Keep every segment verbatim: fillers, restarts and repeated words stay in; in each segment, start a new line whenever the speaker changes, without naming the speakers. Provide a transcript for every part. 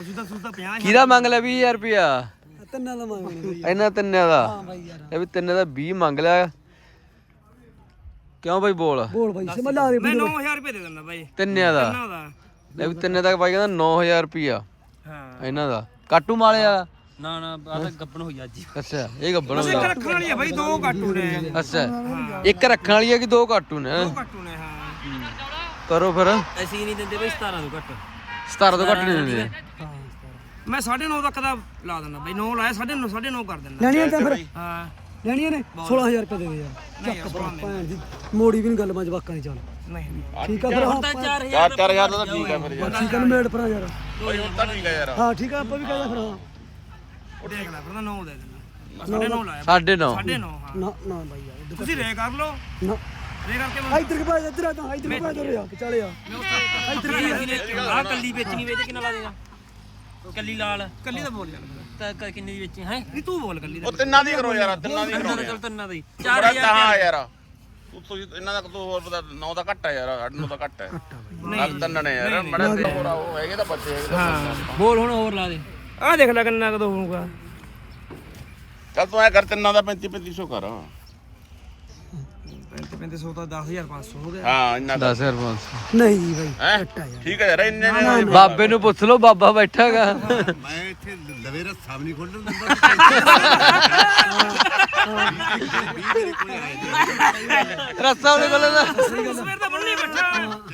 ਕਿਹਦਾ ਮੰਗ ਲਿਆ ਵੀਹ ਹਜ਼ਾਰ ਰੁਪਿਆ?
ਤਿੰਨਾਂ ਦਾ ਮੰਗਣੇ
ਇਹਨਾਂ ਤਿੰਨਾਂ ਦਾ।
ਹਾਂ ਬਾਈ ਯਾਰ
ਇਹ ਵੀ ਤਿੰਨਾਂ ਦਾ ਵੀਹ ਮੰਗ ਲਿਆ। ਕਿਉਂ ਬਾਈ ਬੋਲ
ਬੋਲ ਬਾਈ ਸੇ ਲਾ ਦੇ
ਮੈਂ ਨੌ ਹਜ਼ਾਰ ਰੁਪਏ ਦੇ ਦਿੰਦਾ ਬਾਈ
ਤਿੰਨਿਆਂ ਦਾ।
ਤਿੰਨਾਂ ਦਾ
ਇਹ ਵੀ ਤਿੰਨੇ ਦਾ ਬਾਈ ਕਹਿੰਦਾ ਨੌ ਹਜ਼ਾਰ ਰੁਪਿਆ
ਹਾਂ
ਇਹਨਾਂ ਦਾ। ਕਾਟੂ ਮਾਲਿਆ
ਨਾ ਨਾ ਆ ਤਾਂ ਗੱਬਣ ਹੋਈ ਅੱਜ
ਅੱਛਾ ਇਹ ਗੱਬਣ
ਇੱਕ
ਹੁੰਦਾ।
ਰੱਖਣ ਵਾਲੀ ਆ ਬਾਈ ਦੋ ਕਾਟੂ ਨੇ
ਅੱਛਾ ਇੱਕ ਰੱਖਣ ਵਾਲੀ ਹੈ ਕਿ ਦੋ ਕਾਟੂ ਨੇ?
ਦੋ ਕਾਟੂ ਨੇ ਹਾਂ
ਕਰੋ ਫਿਰ।
ਅਸੀਂ ਨਹੀਂ ਦਿੰਦੇ ਬਾਈ ਸਤਾਰਾਂ ਤੋਂ ਘੱਟ
ਸਤਾਰਾਂ ਤੋਂ ਘੱਟ ਨਹੀਂ ਦਿੰਦੇ।
ਮੈਂ ਸਾਢੇ ਨੌ ਤੱਕ ਦਾ ਲਾ ਦਿੰਦਾ ਬਾਈ ਨੌ ਲਾਇਆ ਸਾਢੇ ਨੌ ਸਾਢੇ ਨੌ ਕਰ ਦਿੰਦਾ
ਲੈਣੀਆਂ ਤਾਂ ਫਿਰ
ਹਾਂ
ਲੈਣੀਆਂ ਨੇ ਸੋਲਾਂ ਹਜ਼ਾਰ ਰੁਪਏ ਦੇ ਦੇ ਯਾਰ
ਨਹੀਂ ਸੋਲਾਂ
ਭੈਣ ਦੀ ਮੋੜੀ ਵੀ ਨਹੀਂ ਗੱਲ ਮੈਂ ਜਵਾਕਾਂ ਨਹੀਂ ਚੱਲ
ਨਹੀਂ
ਠੀਕ ਆ ਫਿਰ ਹਾਂ
ਚਾਰ ਹਜ਼ਾਰ
ਚਾਰ ਹਜ਼ਾਰ ਦਾ ਠੀਕ ਆ ਫਿਰ ਯਾਰ।
ਠੀਕ ਆ ਮੇੜ ਭਰਾ ਯਾਰ
ਭਾਈ ਹੁਣ ਤਾਂ ਠੀਕ ਆ ਯਾਰ।
ਹਾਂ ਠੀਕ ਆ ਆਪਾਂ ਵੀ ਕਹਿੰਦਾ ਫਿਰ ਹਾਂ
ਦੇਖ ਲੈ ਫਿਰ ਨੌ ਦੇ ਦਿੰਦਾ ਸਾਢੇ ਨੌ ਲਾਇਆ
ਸਾਢੇ ਨੌ।
ਸਾਢੇ ਨੌ ਹਾਂ
ਨਾ ਨਾ ਬਾਈ ਯਾਰ
ਤੁਸੀਂ ਰੇ ਕਰ ਲਓ
ਨਾ
ਰੇ ਕਰਕੇ ਮੈਂ
ਇੱਧਰ ਕੇ ਭਾਈ ਇੱਧਰ ਆ ਤਾਂ ਇੱਧਰ ਕੇ ਭਾਈ ਤੁਰ ਆ ਚੱਲ ਆ
ਆ ਕੱਲੀ ਵੇਚਣੀ ਵੇਚ ਕਿੰਨਾ ਲਾ ਦੇਗਾ ਕੱਲੀ ਲਾਲ ਕੱਲੀ ਦਾ ਬੋਲ ਯਾਰ ਤਾਂ ਕਿੰਨੀ ਦੀ ਵੇਚੀ ਹੈ ਨਹੀਂ ਤੂੰ ਬੋਲ ਕੱਲੀ ਦਾ
ਉਹ ਤਿੰਨਾਂ ਦੀ ਕਰੋ ਯਾਰ, ਤਿੰਨਾਂ ਦੀ ਕਰੋ
ਚੱਲ ਤਿੰਨਾਂ ਦੀ
ਚਾਰ
ਚਾਰ
ਹਜ਼ਾਰ
ਹਜ਼ਾਰ
ਯਾਰ। ਤੂੰ ਤੁਸੀਂ ਇਹਨਾਂ ਦਾ ਤੂੰ ਹੋਰ ਪਤਾ ਨੌ ਦਾ ਘੱਟ ਆ ਯਾਰ, ਅੱਠ ਨੌ ਦਾ ਘੱਟ ਹੈ। ਨਾਲ ਤਿੰਨ ਨੇ ਯਾਰ ਮੜੇ ਤੇ ਹੋਰ ਆ, ਉਹ ਹੈਗੇ ਤਾਂ ਬੱਚੇ ਹੈਗੇ ਤਾਂ।
ਹਾਂ ਬੋਲ ਹੁਣ ਹੋਰ ਲਾ ਦੇ ਆ ਦੇਖ ਲੈ ਕਿੰਨਾ ਕਦੋਂ ਹੋਊਗਾ
ਚੱਲ ਤੂੰ ਐ ਕਰ ਤਿੰਨਾਂ ਦਾ ਪੈਂਤੀ ਪੈਂਤੀ ਸੌ ਕਰ।
ਪੈਂਤੀ ਪੈਂਤੀ ਸੌ ਤਾਂ ਦਸ ਹਜ਼ਾਰ ਪੰਜ ਸੌ ਹੋ ਗਿਆ
ਹਾਂ ਇੰਨਾ
ਦਸ ਹਜ਼ਾਰ ਪੰਜ ਸੌ।
ਨਹੀਂ ਜੀ ਬਾਈ
ਹੈ ਠੀਕ ਹੈ ਯਾਰ ਇੰਨੇ ਨੇ।
ਬਾਬੇ ਨੂੰ ਪੁੱਛ ਲਓ ਬਾਬਾ ਬੈਠਾ ਹੈਗਾ।
ਮੈਂ ਇੱਥੇ ਲਵੇ ਰੱਸਾ ਵੀ ਨਹੀਂ ਖੋਲਣ ਦਿੰਦਾ।
ਰੱਸਾ ਉਹਨੇ ਕੋਲ ਦਾ
ਸਵੇਰ ਦਾ ਬੰਨੀ ਬੈਠਾ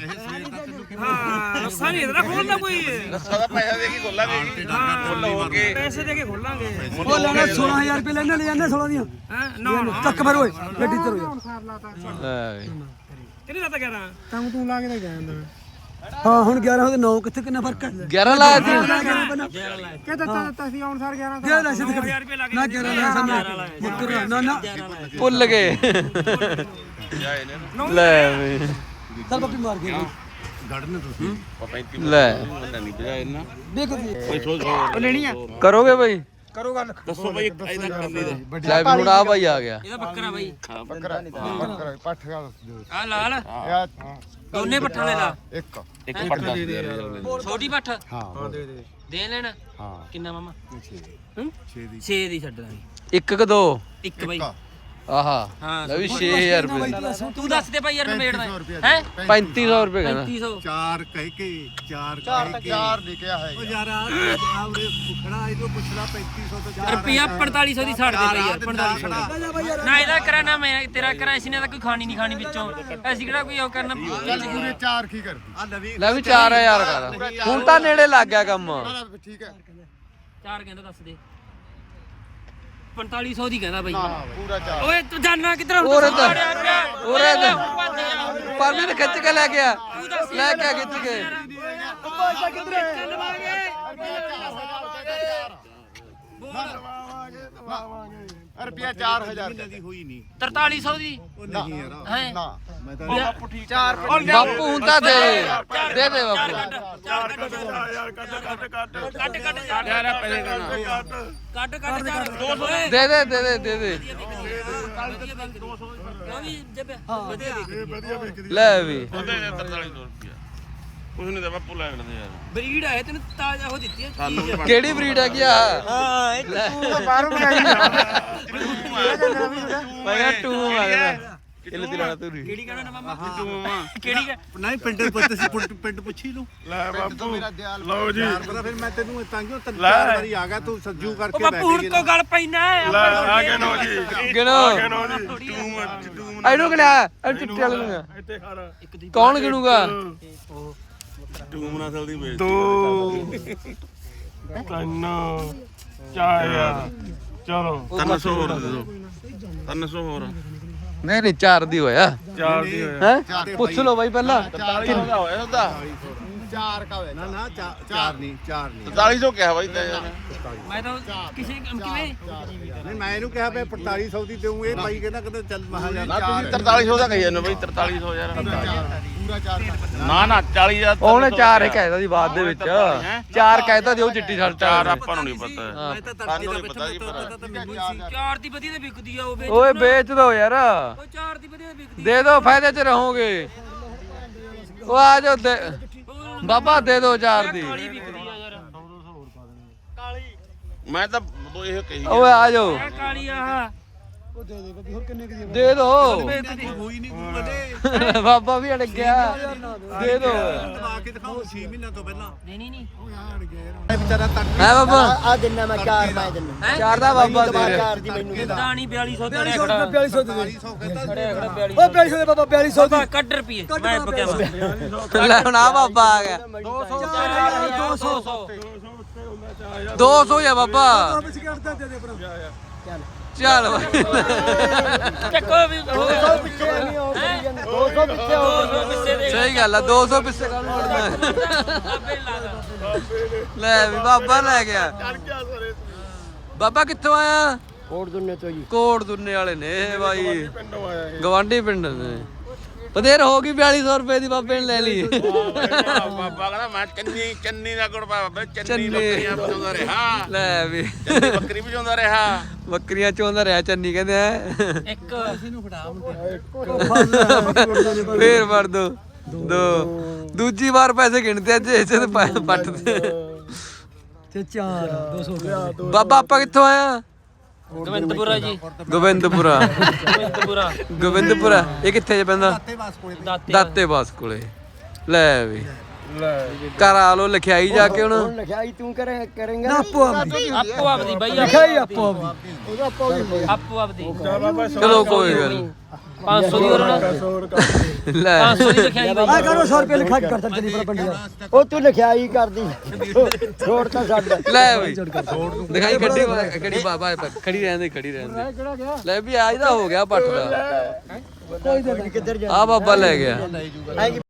ਹਾਂ ਰੱਸਾ ਨਹੀਂ ਇਹਦਾ ਖੋਲਦਾ ਕੋਈ
ਰੱਸਾ ਦਾ ਪੈਸਾ ਦੇ ਕੇ ਖੋਲਾਂਗੇ ਖੋਲ ਹੋ ਕੇ
ਪੈਸੇ ਦੇ ਕੇ ਖੋਲਾਂਗੇ
ਉਹ ਲੈਣਾ ਸੋਲਾਂ ਹਜ਼ਾਰ ਰੁਪਏ ਲੈਣੇ ਲੈ ਜਾਂਦੇ ਸੋਲਾਂ ਦੀਆਂ
ਹੈ ਨਾ ਨਾ
ਚੱਕ ਫਿਰ ਓਏ ਗੱਡੀ ਤੇ ਰੋ
ਲੈ ਵੀ।
ਕਿਹਨੇ ਦਾ ਤਾਂ ਗਿਆਰਾਂ
ਤੂੰ ਤੂੰ ਲਾ ਕੇ ਤਾਂ ਗਿਆ ਹਾਂ ਹੁਣ ਗਿਆਰਾਂ ਉਹਦੇ ਨੌ ਕਿੱਥੇ ਕਿੰਨਾ ਫਰਕ ਹੈ
ਗਿਆਰਾਂ ਲਾਇਆ ਸੀ।
ਕਿ ਦਿੱਤਾ ਦਿੱਤਾ ਸੀ ਹੁਣ ਸਰ ਗਿਆਰਾਂ ਦਾ ਲੈ ਸਿੱਧ
ਹਜ਼ਾਰ ਰੁਪਏ ਲੱਗ
ਨਾ ਗਿਆਰਾਂ ਲੈ ਸਾਹਮਣੇ ਮੁੱਕਰ ਨਾ ਨਾ
ਭੁੱਲ ਗਏ।
ਜਾਏ ਨੇ
ਲੈ ਵੀ।
ਚੱਲ ਬੱਪੀ ਮਾਰ ਕੇ
ਗੜਨੇ ਤੁਸੀਂ
ਪੈਂਤੀ
ਲੈ
ਨਹੀਂ ਬਜਾਏ ਨਾ
ਦੇਖ ਜੀ
ਕੋਈ ਸੋਚ ਉਹ ਲੈਣੀ ਆ।
ਕਰੋਗੇ ਬਾਈ?
ਕਰੋ ਗੱਲ
ਦੱਸੋ ਭਾਈ ਇਹਦਾ ਕੰਨੀ ਦਾ
ਲੈ ਵੀ ਹੁਣ ਆ ਬਾਈ ਆ ਗਿਆ।
ਇਹਦਾ ਬੱਕਰਾ ਬਾਈ
ਬੱਕਰਾ ਬੱਕਰਾ ਪੱਠ ਗਾ
ਆ ਲਾਲ
ਯਾਰ
ਦੋਨੇ ਪੱਠਾਂ ਦੇ ਲਾ
ਇੱਕ
ਇੱਕ ਪੱਟ ਦੱਸ ਦੇ ਯਾਰ।
ਛੋਟੀ ਪੱਠ
ਹਾਂ ਦੇ ਦੇ
ਦੇ ਲੈਣਾ
ਹਾਂ
ਕਿੰਨਾ ਮਾਮਾ
ਛੇ ਦੀ
ਛੇ ਦੀ ਛੱਡ ਦਾਂਗੇ
ਇੱਕ ਕ ਦੋ
ਇੱਕ ਬਾਈ
ਆਹਾ
ਹਾਂ
ਲੈ ਵੀ ਛੇ ਹਜ਼ਾਰ ਰੁਪਏ।
ਤੂੰ ਦੱਸ ਦੇ ਭਾਈ ਯਾਰ ਨਵੇੜਦਾ ਹੈ
ਪੈਂਤੀ ਸੌ ਰੁਪਏ ਕਹਿੰਦਾ।
ਪੈਂਤੀ ਸੌ
ਚਾਰ ਕਹਿ ਕੇ ਚਾਰ ਕਹਿ ਕੇ ਚਾਰ ਲਿਖਿਆ ਹੈ ਉਹ ਯਾਰ ਆਵਰੇ ਪੁੱਛਣਾ ਇਹਨੂੰ ਪੁੱਛਣਾ ਪੈਂਤੀ ਸੌ ਤੋਂ ਚਾਰ
ਰੁਪਿਆ ਪੰਤਾਲੀ ਸੌ ਦੀ ਛੱਡ ਦੇ ਭਾਈ ਯਾਰ ਪੰਤਾਲੀ ਸੌ ਦੀ ਨਾ ਇਹਦਾ ਕਰਾ ਨਾ ਮੈਂ ਤੇਰਾ ਕਰਾ ਇਸ ਨੇ ਤਾਂ ਕੋਈ ਖਾਣੀ ਨਹੀਂ ਖਾਣੀ ਵਿੱਚੋਂ ਅਸੀਂ ਕਿਹੜਾ ਕੋਈ ਉਹ ਕਰਨਾ
ਪੂਰੇ ਚਾਰ ਕੀ ਕਰਦੀ ਆ ਨਵੀਂ
ਲੈ ਵੀ ਚਾਰ ਹਜ਼ਾਰ ਕਰ। ਹੁਣ ਤਾਂ ਨੇੜੇ ਲੱਗ ਗਿਆ ਕੰਮ।
ਠੀਕ ਹੈ
ਚਾਰ ਕਹਿੰਦਾ ਦੱਸ ਦੇ ਪੰਤਾਲੀ ਸੌ ਦੀ ਕਹਿੰਦਾ ਬਾਈ
ਪੂਰਾ ਚਾਰ
ਓਏ ਤੂੰ ਜਾਨਣਾ ਕਿੱਧਰ ਹੁਣ
ਉਰੇ
ਤੂੰ
ਤਾਂ
ਸਾੜਿਆ ਪਿਆ।
ਉਰੇ ਤਾਂ
ਹੁਣ ਭੱਜ ਜਾ।
ਪਰਨੇ ਨੇ ਖਿੱਚ ਕੇ ਲੈ ਗਿਆ ਲੈ ਕੇ ਆ ਖਿੱਚ ਕੇ।
ਰੁਪਿਆ ਚਾਰ ਹਜ਼ਾਰ ਦੀ ਹੋਈ ਨਹੀਂ
ਤਰਤਾਲੀ ਸੌ ਦੀ
ਨਹੀਂ ਯਾਰ
ਹੈ
ਨਾ ਮੈਂ ਤਾਂ
ਚਾਰ
ਬਾਪੂ ਹੁਣ ਤਾਂ ਦੇ ਦੇ ਦੇ ਬਾਪੂ।
ਚਾਰ ਕੱਟ ਕੱਟ ਕੱਟ ਕੱਟ
ਯਾਰ ਪੈਸੇ ਦੇਣਾ
ਕੱਟ ਕੱਟ ਚਾਰ ਦੋ ਸੌ ਓਏ
ਦੇ ਦੇ ਦੇ ਦੇ ਦੇ ਦੇ
ਉਹ ਵੀ ਜੱਬ ਵਧੀਆ ਵਿਕਦੀ
ਲੈ ਵੀ।
ਉਹਦੇ ਦੇ ਤਰਤਾਲੀ ਸੌ ਰੁਪਇਆ ਕੁਝ ਨਹੀਂ ਤਾਂ ਬਾਪੂ ਲੈ ਲੈਂਦੇ ਯਾਰ।
ਬਰੀਡ ਆਏ ਤੈਨੂੰ ਤਾਜ਼ਾ ਹੋ ਦਿੱਤੀ ਹੈ
ਸਾਨੂੰ ਵੀ ਬਣ-
ਕਿਹੜੀ ਬਰੀਡ ਹੈਗੀ ਆ?
ਹਾਂ ਇਹ
ਬਾਹਰੋਂ ਮੰਗਾਈ
ਮੈਂ ਕਿਹਾ ਟੂ ਮੰਗਦਾ ਕਿੱਲੇ ਦੀ ਲੈਣਾ ਤੂੰ?
ਕਿਹੜੀ ਕਹਿਣਾ ਨਾ ਮਾਮਾ
ਤੂੰ ਮਾਮਾ
ਕਿਹੜੀ ਕਹਿ
ਨਹੀਂ ਪਿੰਡ ਪੁੱਤ ਸੀ ਪਿੰਡ- ਪਿੰਡ ਪੁੱਛੀ ਲੂ
ਲੈ ਬਾਪੂ
ਲਓ ਜੀ ਫਿਰ ਮੈਂ ਤੈਨੂੰ ਤਾਂਗਿਓ ਤਿੰਨ ਚਾਰ ਵਾਰੀ ਆ ਗਿਆ ਤੂੰ ਸੱਜੂ
ਉਹ
ਕਰਕੇ
ਬਾਪੂ ਹੁਣ ਕੋ ਗੱਲ ਪੈਣਾ
ਆ ਗਿਆ ਨੋ ਜੀ
ਗਿਣੋ ਇਹਨੂੰ ਗਿਣਿਆ ਇਹ ਚਿੱਟੇ ਵਾਲੇ ਨੂੰ ਗਿਣਿਆ। ਕੌਣ ਗਿਣੂਗਾ?
ਟੂਮ ਨਸਲ ਦੀ ਵੇਚ
ਦੋ ਤਿੰਨ ਚਾਰ ਚਲੋ
ਤਿੰਨ ਸੌ ਹੋਰ ਦੇ ਦਿਓ ਤਿੰਨ ਸੌ ਹੋਰ
ਨਹੀਂ ਨਹੀਂ ਚਾਰ ਦੀ ਹੋਇਆ
ਚਾਰ ਦੀ ਹੋਇਆ
ਹੈ। ਪੁੱਛ ਲਓ ਬਾਈ ਪਹਿਲਾਂ।
ਕਿੰਨਾ ਹੋਇਆ ਉਹਦਾ
ਚਾਰ ਕਾ ਹੋਇਆ ਨਾ ਨਾ ਚਾ- ਚਾਰ ਨਹੀਂ ਚਾਰ ਨਹੀਂ
ਤਰਤਾਲੀ ਸੌ ਕਿਹਾ ਬਾਈ ਤਾਂ ਯਾਰ।
ਮੈਂ ਤਾਂ ਕਿਸੇ ਕਿਵੇਂ
ਨਹੀਂ ਮੈਂ ਇਹਨੂੰ ਕਿਹਾ ਵੀ ਪੰਤਾਲੀ ਸੌ ਦੀ ਦੇਉਂ ਇਹ ਬਾਈ ਕਹਿੰਦਾ ਕਹਿੰਦਾ ਚੱਲ ਮਹਾ ਜਾ
ਨਾ ਤੁਸੀਂ ਤਰਤਾਲੀ ਸੌ ਦਾ ਕਹੀ ਜਾਂਦੇ ਹੋ ਬਾਈ ਤਰਤਾਲੀ ਸੌ ਯਾਰ
ਪੂਰਾ ਚਾਰ
ਨਾ ਨਾ ਚਾਲੀ ਹਜ਼ਾਰ ਤਾਂ
ਉਹਨੇ ਚਾਰ ਹੀ ਕਹਿਤਾ ਸੀ ਬਾਅਦ ਦੇ ਵਿੱਚ ਚਾਰ ਕਹਿਤਾ ਦਿਓ ਚਿੱਟੀ ਸ਼ਰਟ
ਚਾਰ ਆਪਾਂ ਨੂੰ ਨਹੀਂ ਪਤਾ
ਮੈਂ ਤਾਂ ਤੜਕੇ ਦਾ ਬੱਚਾ ਤਾਂ ਮੈਨੂੰ ਸੀ ਚਾਰ ਦੀ ਵਧੀਆ ਤੇ ਵਿਕਦੀ ਆ ਉਹ ਵੇਚ
ਓਏ ਵੇਚ ਦੋ ਯਾਰ।
ਉਹ ਚਾਰ ਦੀ ਵਧੀਆ ਵਿਕਦੀ
ਦੇ ਦੋ ਫਾਇਦੇ ਚ ਰਹੋਗੇ। ਉਹ ਆ ਜਾਓ ਦੇ ਬਾਬਾ ਦੇ ਦੋ ਚਾਰ ਦੀ।
ਕਾਲੀ ਵਿਕਦੀ ਆ ਯਾਰ
ਮੈਂ ਤਾਂ ਉਹ ਇਹ ਕਹੀ
ਓਏ ਆ ਜਾਓ
ਆ ਕਾਲੀ ਆਹ
ਉਹ ਦੇ ਦੇ ਬੱਬੀ ਹੋਰ ਕਿੰਨੇ ਕੁ ਦੀ ਆ?
ਦੇ ਦੋ
ਹੋਈ ਨਹੀਂ ਤੂੰ ਬਲੇ
ਬਾਬਾ ਵੀ ਅੜ ਗਿਆ ਦੇ ਦੋ
ਦਵਾ ਕੇ ਦਿਖਾਓ ਛੇ ਮਹੀਨਿਆਂ ਤੋਂ ਪਹਿਲਾਂ
ਦੇਣੀ ਨਹੀਂ
ਉਹ ਯਾਰ ਗਿਆ ਇਹ ਵਿਚਾਰਾ ਤੱਕ
ਹੈ ਬਾਬਾ
ਆ ਦਿਨਾ ਮੈਂ ਚਾਰ ਮੈਂ ਦਿਨਾ
ਚਾਰ ਦਾ ਬਾਬਾ ਦੇ ਰਿਹਾ
ਚਾਰ ਦੀ ਮੈਨੂੰ
ਦਾਣੀ ਬਿਆਲੀ ਸੌ ਦੇ
ਬਿਆਲੀ ਸੌ
ਖੜਾ
ਰੁਪਏ ਬਿਆਲੀ ਸੌ ਦੇ ਦੇ
ਚਾਲੀ ਸੌ ਕਹਿੰਦਾ
ਖੜਿਆ ਖੜਾ ਬਿਆਲੀ
ਓ ਬਿਆਲੀ ਸੌ ਦੇ ਬਾਬਾ ਬਿਆਲੀ ਸੌ
ਬਾਬਾ
ਦੀ
ਕੱਢ ਰੁਪਏ ਮੈਂ ਬਕਿਆ ਵਾ
ਲੈ ਹੁਣ ਆ ਬਾਬਾ ਆ ਗਿਆ
ਦੋ ਸੌ ਦੋ ਸੌ
ਦੋ ਸੌ ਆ ਬਾਬਾ
ਵਿੱਚ ਕੱਢਦਾ ਦੇ ਦੇ ਭਰਾ
ਚੱਲ ਬਾਈ।
ਚੱਕੋ ਵੀ ਹੋ ਗਿਆ
ਦੋ ਸੌ ਪਿੱਛੇ ਨਹੀਂ ਹੋ ਗਈ ਦੋ ਸੌ ਪਿੱਛੇ ਹੋ
ਦੋ ਸੌ ਪਿੱਛੇ ਦੇ
ਸਹੀ ਗੱਲ ਆ ਦੋ ਸੌ ਪਿੱਛੇ ਕਾਹਨੂੰ ਉੜਨਾ
ਆਪੇ ਲਾ ਦੋ
ਲੈ ਵੀ ਬਾਬਾ ਲੈ ਗਿਆ ਬਾਬਾ ਕਿੱਥੋਂ ਆਇਆ
ਕੋਟ ਦੁੰਨੇ ਤੋਂ ਜੀ
ਕੋਟ ਦੁੰਨੇ ਵਾਲੇ ਨੇ ਇਹ ਬਾਈ ਗਵਾਂਢੀ ਪਿੰਡ ਨੇ ਬਥੇਰ ਹੋ ਗਈ ਬਿਆਲੀ ਸੌ ਰੁਪਏ ਦੀ ਬਾਬੇ ਨੇ ਲੈ ਲਈ
ਬਾਬਾ ਕਹਿੰਦਾ ਮੈਂ ਚੰਨੀ ਚੰਨੀ ਦਾ ਗੁੜ ਬਾਬਾ ਚੰਨੀ
ਚੰਨੀ।
ਬੱਕਰੀਆਂ ਬਚਾਉਂਦਾ ਰਿਹਾ
ਲੈ ਵੀ
ਚੰਨੀ ਬੱਕਰੀ ਬਚਾਉਂਦਾ ਰਿਹਾ
ਬੱਕਰੀਆਂ ਚੋਂਦਾ ਰਿਹਾ ਚੰਨੀ ਕਹਿੰਦੇ ਆ
ਇੱਕ
ਫੇਰ ਵੜ ਦੋ ਦੋ ਦੂਜੀ ਵਾਰ ਪੈਸੇ ਗਿਣਦੇ ਅੱਜ ਇਸੇ ਤੇ ਪਾ- ਪੱਟ ਦੇ
ਤੇ ਚਾਰ ਦੋ ਸੌ ਰੁਪਏ
ਬਾਬਾ ਆਪਾਂ ਕਿੱਥੋਂ ਆਇਆ
ਗੋਬਿੰਦਪੁਰਾ ਜੀ
ਗੋਬਿੰਦਪੁਰਾ
ਗੋਬਿੰਦਪੁਰਾ
ਗੋਬਿੰਦਪੁਰਾ ਇਹ ਕਿੱਥੇ ਜੇ ਪੈਂਦਾ
ਤੇ ਬਸ ਕੋਲੇ
ਦਾਤੇ
ਦਾਤੇ ਬਾਸ ਕੋਲੇ ਲੈ ਵੀ ਘਰ ਆ ਲੋ ਲਿਖਾਈ ਜਾ ਕੇ ਹੁਣ
ਹੁਣ ਲਿਖਾਈ ਤੂੰ ਕਰੇ ਕਰੇਂਗਾ
ਨਾ ਆਪੋ ਆਪਦੀ
ਆਪੋ ਆਪਦੀ ਬਾਈ
ਲਿਖਾਈ ਆਪੋ ਆਪਦੀ
ਉਹਦਾ ਆਪੋ ਹੀ
ਆਪੋ ਆਪਦੀ
ਚਲੋ ਕੋਈ ਗੱਲ ਨੀ।
ਪੰਜ ਸੌ ਦੀ ਹੋਰ
ਲੈ
ਪੰਜ ਸੌ ਦੀ ਲਿਖਾਈ ਬਾਈ
ਆ ਕਰੋ ਸੌ ਰੁਪਏ ਲਿਖਾ ਕੇ ਕਰ ਚੱਲੀ ਪਰ ਪੰਡਿਆ
ਉਹ ਤੂੰ ਲਿਖਾਈ ਕਰਦੀ ਛੋੜ ਤਾਂ ਛੱਡ
ਲੈ ਬਈ ਦਿਖਾਈ ਗੱਡੀ ਗੱਡੀ ਬਾਬਾ ਖੜੀ ਰਹਿਣ ਦੇ ਖੜੀ ਰਹਿਣ ਦੇ ਲੈ ਵੀ ਅੱਜ ਦਾ ਹੋ ਗਿਆ ਪੱਟ ਦਾ
ਕੋਈ ਕਿੱਧਰ ਜਾ
ਆ ਬਾਬਾ ਲੈ ਗਿਆ
ਐਂ